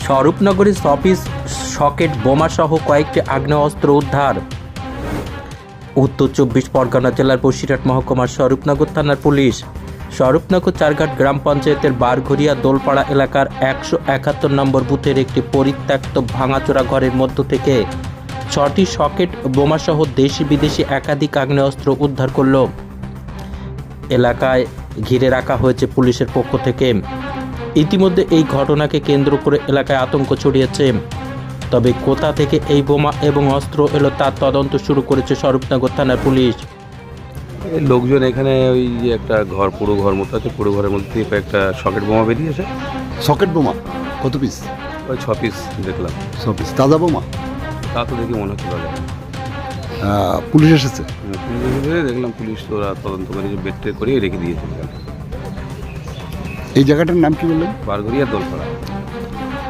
স্বরূপনগরে showpiece socket বোমাসহ কয়েকটি আগ্নেয়াস্ত্র উদ্ধার। উত্তর 24 পরগনা জেলার বসিরহাট মহকুমার স্বরূপনগর থানার পুলিশ স্বরূপনগর চারঘাট গ্রাম পঞ্চায়েতের বারঘরিয়া দোলপাড়া এলাকার 171 নম্বর বুথের একটি পরিত্যক্ত ভাঙাচোরা ঘরের মধ্য থেকে 6টি সকেট বোমাসহ দেশি বিদেশি একাধিক আগ্নেয়াস্ত্র উদ্ধার করল। এলাকায় ঘিরে রাখা হয়েছে পুলিশের পক্ষ থেকে। ইতিমধ্যে এই ঘটনাকে কেন্দ্র করে এলাকায় আতঙ্ক ছড়িয়েছে। তবে কোথা থেকে এই বোমা এবং অস্ত্র এলো তার তদন্ত শুরু করেছে স্বরূপনগর থানার পুলিশ। লোকজন এখানে ওই যে একটা ঘর, পুরো ঘর মতো আছে, পুরো ঘরের মধ্যে থেকে একটা সকেট বোমা বেরিয়েছে। সকেট বোমা কত পিস? ওই 6 পিস দেখলাম। 6 পিস তাজা বোমা? তা তো দেখি মনে হচ্ছে ভালো। পুলিশ এসেছে? পুলিশ এসে দেখলাম, পুলিশ তো ওরা তদন্ত করে বেড করে রেখে দিয়েছে। এই জায়গাটার নাম কি বললেন? বারঘরিয়া দোলপাড়া।